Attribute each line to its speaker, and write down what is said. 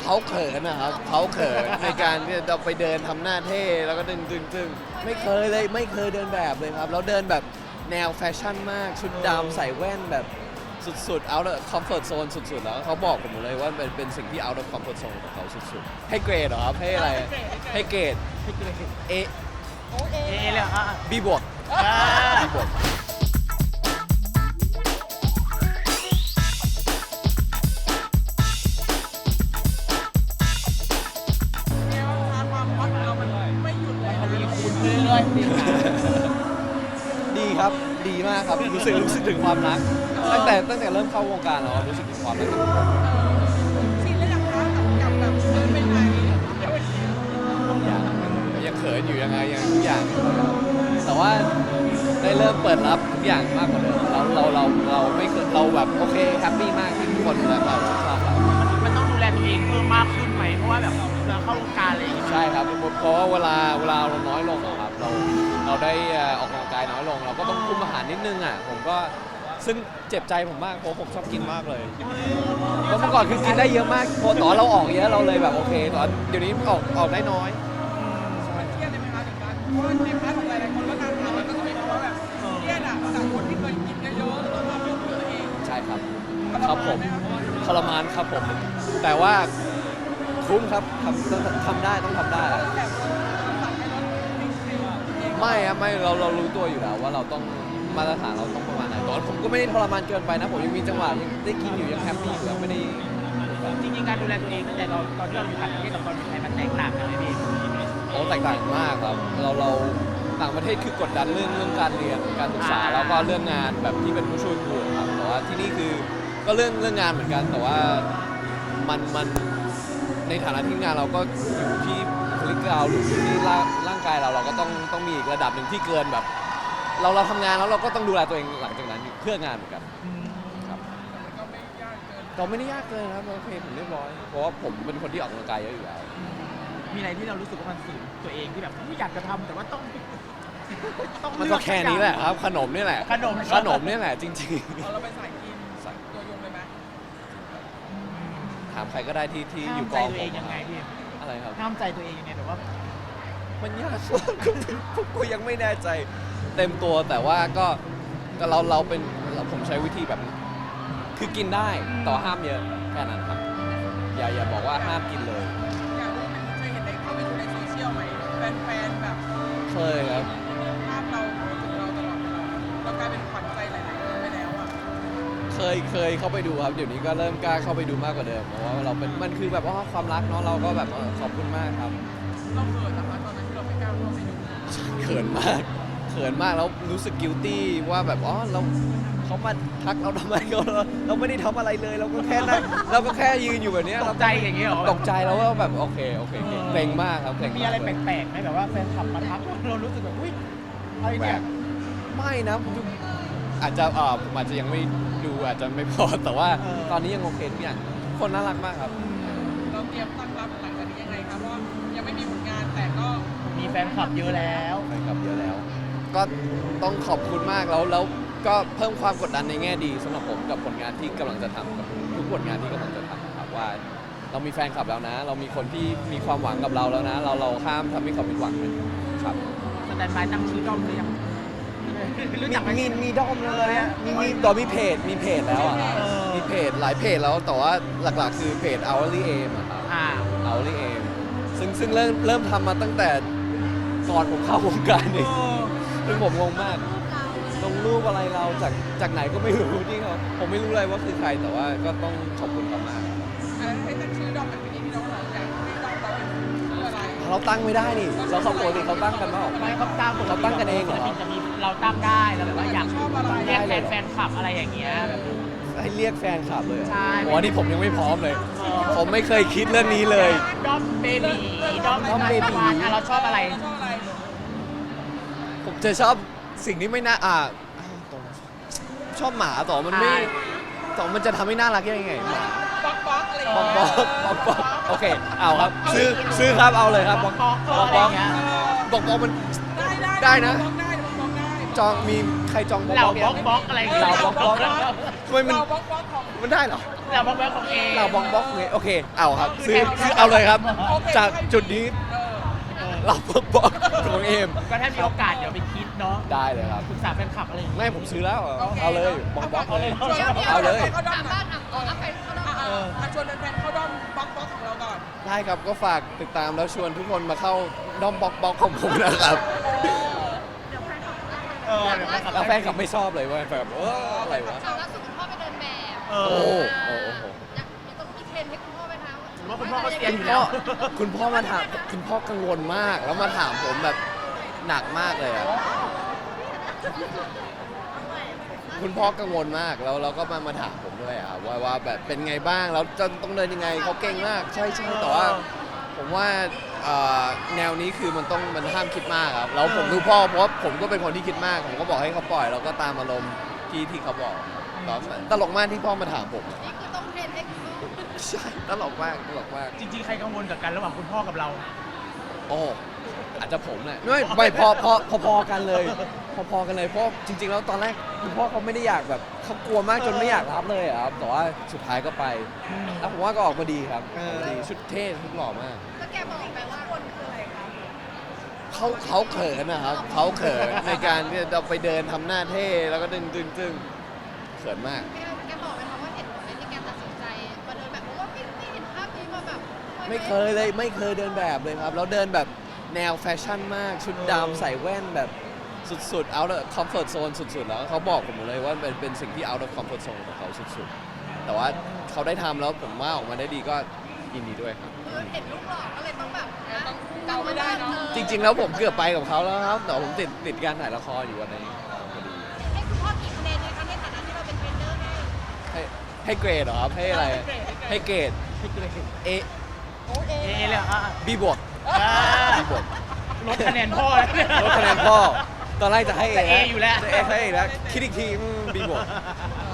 Speaker 1: เขาเขินนะครับเขาเขินในการที่จะไปเดินทำหน้าเท่แล้วก็ดึงไม่เคยเลยไม่เคยเดินแบบเลยครับแล้วเดินแบบแนวแฟชั่นมากชุดดำใส่แว่นแบบสุดๆ out of comfort zone สุดๆแล้วเขาบอกผมเลยว่าเป็นสิ่งที่ out of comfort zone ของเขาสุดๆให้เกรดเหรอครับให้อะไรให้เกรดเอ
Speaker 2: เอเลยอ่ะ
Speaker 1: บีบวกบีบวก
Speaker 2: เรื่อยๆ
Speaker 1: ดีครับดีมากครับรู้สึกถึงความรักตั้งแต่เริ่มเข้าวงการแล้วรู้สึกถึงความรักกับทุกคน
Speaker 3: ชินแล้วยังคะกับแบบเดินไปไหน
Speaker 1: ยังเขินอยู่ยังไงยังทุกอย่างแต่ว่าได้เริ่มเปิดรับทุกอย่างมากกว่าเดิมเราไม่เคยเราแบบโอเคแฮปปี้มากที่ทุกคนแบบเราชอบเรา
Speaker 2: มันต้องดูแลตัวเองเพิ่มมากขึ้นไหมเพราะว่าแบบเราเข้าวงการอะไรอย่างเงี้ย
Speaker 1: ใช่ครับเพราะว่าเวลาเราน้อยลงอะครับเราได้ออกกำลังกายน้อยลงเราก็ต้องคุมอาหารนิดนึงอ่ะผมก็ซึ่งเจ็บใจผมมากเพราะผมชอบกินมากเลยเพราะเมื่อก่อนคือกินได้เยอะมากพอตอนเราออกเยอะเราเลยแบบโอเคตอนเดี๋ยวนี้ออกได้น้อย
Speaker 3: เครียดเลยไหมคะถึงการเพราะว่าในพาร์ทของหลายๆคนก็ตามหามันก็จะมีเพราะว่าแบบเครียดอ่ะจากคนที่เคยกินเยอะๆแล้วมาเพิ่มตัวเอง
Speaker 1: ใช่ครับครับผมทรมานครับผม แต่ว่าคุ้มครับทำได้ต้องทำได้ไม่ครับไม่เรารู้ตัวอยู่แล้วว่าเราต้องมาตรฐานเราต้องประมาณไหนตอนผมก็ไม่ได้ทรมานเกินไปนะผมยังมีจังหวะยังได้กินอยู่ยังแฮปปี้อยู่ยังไม่ได้
Speaker 2: จริงๆการดูแลตัวเองตั้งแต่เราตอนที่เราอยู่ต่างประเทศกับตอนอยู่ไทยมันแตกต่างกันไหมพี่
Speaker 1: โอ้แตกต่างมากครับเราต่างประเทศคือกดดันเรื่องการเรียนการศึกษาแล้วก็เรื่องงานแบบที่เป็นผู้ช่วยครูครับแต่ว่าที่นี่คือก็เรื่องงานเหมือนกันแต่ว่ามันในฐานะที่งานเราก็อยู่ที่บุคลิกเราหรืออยู่ที่ร่างกายเราก็ต้องมีอีกระดับหนึ่งที่เกินแบบเราทำงานแล้วเราก็ต้องดูแลตัวเองหลังจากนั้นเพื่องานเหมือนกันครับเราไม่ได้ยากเกินครับโอเคผมเรียบร้อยเพราะว่าผมเป็นคนที่ออกกำลังกายเยอะอยู่แล้ว
Speaker 2: มีอะไรที่เรารู้สึกว่ามันฝืนตัวเองที่แบบไม่อยากจะทำแต่ว่าต้อง
Speaker 1: มันก็แค่นี้แหละครับขนมนี่แหละขนมนี่แหละจริงๆ
Speaker 3: เราไปสายกินตัวยงเลยไหม
Speaker 1: ถามใครก็ได้ที่อยู่ก
Speaker 2: ห้า
Speaker 1: อ
Speaker 2: ม
Speaker 1: ง
Speaker 2: ใจตัว
Speaker 1: ผ
Speaker 2: เอ
Speaker 1: ม
Speaker 2: งยังไงพี่
Speaker 1: อะไรครับ
Speaker 2: ห้ามใจตัวเองยังไงแบบว่า
Speaker 1: มันยาก กูยังไม่แน่ใจเต็มตัวแต่ว่าก็เราเป็นผมใช้วิธีแบบคือกินได้แต่ว่าห้ามเยอะแค่นั้นครับอย่าบอกว่าห้ามกินเลย
Speaker 3: อยากรู้เคยเห็นได้เข้าไปดูในโซเชียลไหมแฟนๆแบบ
Speaker 1: เคยครับ
Speaker 3: ภาพเราพูดถึงเราตลอดเวลาเรากลายเป็นขวัญใจหลายๆคนไปแล้วอ่ะ
Speaker 1: เคยเข้าไปดูครับเดี๋ยวนี้ก็เริ่มกล้าเข้าไปดูมากกว่าเดิมเพราะว่าเราเป็นมันคือแบบว่าความรักเนาะเราก็แบบขอบคุณมากครับ
Speaker 3: เราเขินนะคะตอนนั้นที่เราไม่กล้าเข้าไปดู
Speaker 1: เขินมากแล้วรู้สึก guilty ว่าแบบเราเขามาทักเราทำไมเราไม่ได้ทำอะไรเลยเราก็แค่นั่งเราก็แค่ยืนอยู่แบบเนี้ย
Speaker 2: ตกใจอย่างเงี้ยเหรอ
Speaker 1: ตกใจแล้วว่าแบบโอเคเกรงมากครับเกรง
Speaker 2: มี
Speaker 1: มาก
Speaker 2: อะไรแปลกๆไหมแบบว่าแฟนคลับมาทักเรารู้สึกแบบอุ้ยอะไรเนี่ย
Speaker 1: ไม่นะผมอาจจะผมอาจจะยังไม่ดูอาจจะไม่พอแต่ว่าตอนนี้ยังโอเคทุกอย่างคนน่ารักมากครับ
Speaker 3: เราเตรียมตั้งรับหลังจากนี้ยังไงครับเพราะยังไม่มีผลงานแต่ก็
Speaker 2: มีแฟนคลับเยอะแล้ว
Speaker 1: แฟนคลับเยอะแล้ว ก็ต้องขอบคุณมากแล้วก็เพิ่มความกดดันในแง่ดีสำหรับผมกับผลงานที่กำลังจะทำกับทุกผลงานที่กำลังจะทำครับว่าเรามีแฟนคลับแล้วนะ เรามีคนที่มีความหวังกับเราแล้วนะ เราห้ามทำให้เขาผิดหวังนะครับ
Speaker 2: สแตนบายตั้งชื่อด้อมหรือยังรู้จักไหม
Speaker 1: มีด้อมเลยอะมีเพจแล้วอะครับ
Speaker 2: เออ
Speaker 1: มีเพจหลายเพจแล้วแต่ว่าหลักๆคือเพจ hourly aim อะครับ hourly aim ซึ่งเริ่มทำมาตั้งแต่ก่อนผมเข้าวงการนี่ซึ่งผมงงมากลงรูปอะไรเราจากไหนก็ไม่รู้ที่เขาผมไม่รู้เลยว่าคือใครแต่ว่าก็ต้องขอบคุณเขามาก
Speaker 3: ให้ตั้งชื่อดอมแบบนี้ที่น้องบอกอยากให้ดอมเราเป็นชื่ออะไร
Speaker 1: เราตั้งไม่ได้นี่เราเขาปกติเขาตั้งกันเปล่า
Speaker 2: ไม่เขาตั้ง
Speaker 1: เขาตั้งกันเองเหรอ
Speaker 2: ศิลปินจะมีเราตั้งได้เราแบบว่าอยาก
Speaker 3: ชอบอะไร
Speaker 2: เรียกแฟนคลับอะไรอย่างเงี้ยแบบ
Speaker 1: ให้เรียกแฟนคลับเลยเหรอ
Speaker 2: ใช่
Speaker 1: โอ้อันนี้ผมยังไม่พร้อมเลย ผมไม่เคยคิดเรื่องนี้เลย
Speaker 2: ด้อมเบบีด้อม
Speaker 1: ด้อมเบบี
Speaker 2: อ่ะเราชอบอะไร
Speaker 3: ชอบอะไร
Speaker 1: ผมจะชอบสิ่งที่ไม่น่าชอบหมาต่อมันไม่ต่อมันจะทำให้น่ารักยังไงหมา
Speaker 3: บ๊อกอะไรอย่าง
Speaker 1: บ
Speaker 3: เงี้
Speaker 1: อย กโอเคเอาครับซื้อครับเอาเลยครับบอก
Speaker 2: อะไรอย่างเงี้ย
Speaker 1: บอกมัน
Speaker 3: ได้
Speaker 1: ได้นะ
Speaker 3: บ๊อกได้บ๊อกได้
Speaker 1: จองมีใครจอง
Speaker 2: เหล่า
Speaker 1: บอก
Speaker 2: บล็อกอะไรอย่างเงี้ย
Speaker 1: เราบล็อกทำไมมัน
Speaker 3: เราบ๊อกของ
Speaker 1: มันได้เหรอ
Speaker 3: ไ
Speaker 2: เราบล็อกแววของเอ
Speaker 1: เราบล็อกบล็อกเลยโอเคเอาครับซื้อเอาเลยครับ จากจุดนี้เราบล็อกบล็อกของเอม
Speaker 2: ก็ถ้ามีโอกาสเดี๋ยวไปคิดเนาะ
Speaker 1: ได้เลยครับ
Speaker 2: ปรึกษาแฟนคลับอะไรอย่างเงี้ย
Speaker 1: ไม่ผมซื้อแล้วเอาเลยบล็อกบล็อกเลย
Speaker 3: เอาเลย
Speaker 4: สามารถเอาไปเข้าด้อม
Speaker 3: ชวนแฟนๆเข้าด้อมบล็อกของเราก่อน
Speaker 1: ได้ครับก็ฝากติดตามแล้วชวนทุกคนมาเข้าด้อมบล็อกบล็อกของผมนะครับ
Speaker 2: เดี๋ยวแฟนคลับ
Speaker 1: แล้วแฟนคลับไม่ชอบเลยว่าแฟนแบบอะไรวะ
Speaker 4: ข่าวล่าสุดคุณพ่อไปเดินแบบ
Speaker 2: เอ
Speaker 1: โอ้
Speaker 2: อ
Speaker 1: โห
Speaker 4: อยากต้องมีเทรนให้คุณพ่อไปทำ
Speaker 2: ว่าคุณพ่อก็เซียน
Speaker 1: คุ
Speaker 2: อ
Speaker 1: ณ
Speaker 2: ยู่
Speaker 1: พ่
Speaker 2: แล้
Speaker 1: อ
Speaker 2: ว
Speaker 1: คุณพ่อมาถามคุณพ่อกังวลมาก แล้วมาถามผมแบบหนักมากเลยอะคุณพ่อกังวลมากแล้วเราก็มาถามผมด้วยอะว่าแบบเป็นไงบ้างแล้วจะต้องเดินยังไงเขาเก่งมากใช่แต่ว่าผมว่าแนวนี้คือมันห้ามคิดมากครับแล้วผมดูพ่อเพราะว่าผมก็เป็นคนที่คิดมากผมก็บอกให้เขาปล่อยเราก็ตามอารมณ์ที่เขาบอกตลกมากที่พ่อมาถามผม
Speaker 4: นี่คือต้องเทรนให้คุณพ่อ
Speaker 1: ใช่ตลกมาก
Speaker 2: จริงๆ ใครกังวลกับกันระหว่างคุณพ่อกับเรา
Speaker 1: โอ้อาจจะผมแหละไม่พอกันเลย พอกันเลยเพราะจริง ๆ แล้วตอนแรกคุณพ่อเขาไม่ได้อยากแบบเขากลัวมากจนไม่อยากรับเลยอะครับแต่ว่าสุดท้ายก็ไปแล้วผมว่าก็ออกมาดีครับออกมาดีชุดเท่ชุดหล่อมาก
Speaker 4: แล้วแกบอกไปว่าคนคืออะไรคะ
Speaker 1: เขาเขินนะครับเขาเขินในการที่เราไปเดินทำหน้าเท่แล้วก็ดึงเขินมาก
Speaker 4: แกบอกไหมคะว่าเหตุผลในการตัดสินใจมาเดินแบบเพราะว่าไม่เห็นภาพนี้มาแบบ
Speaker 1: ไม่เคยเดินแบบเลยครับแล้วเดินแบบแนวแฟชั่นมากชุดดำใส่แว่นแบบสุดๆ out of comfort zone สุดๆ แล้วเขาบอกผมหมดเลยว่าเป็นสิ่งที่ out of comfort zone ของเขาสุดๆ แต่ว่าเขาได้ทำแล้วผมว่าออกมาได้ดีก็ยินดีด้วยครับ
Speaker 4: เห็นลูกหล่อก็เลยต้องแบบ
Speaker 3: ต้องเกาไม่ได้เนอะ
Speaker 1: จริงๆ แล้วผมเกือบไปกับเขาแล้วครับ แต่ผมติดการถ่ายละครอยู่วันนี้พอดี
Speaker 4: ให้คุณพ่อกี่คะแนนเลยคะในฐานะที่เราเป็นเทรนเนอร์ให้
Speaker 1: ให้เกรดเหรอครับ ให้อะไร ให้เกรด A
Speaker 2: เอเลยอ่ะ
Speaker 1: B บวก B บวก
Speaker 2: ลดคะแนนพ่อ
Speaker 1: ลดคะแนนพ่อ ตอนแรกจะให้ A
Speaker 2: จะ A อยู่แล้ว
Speaker 1: จะ A ให้แล้วคิดอีกทีB บวก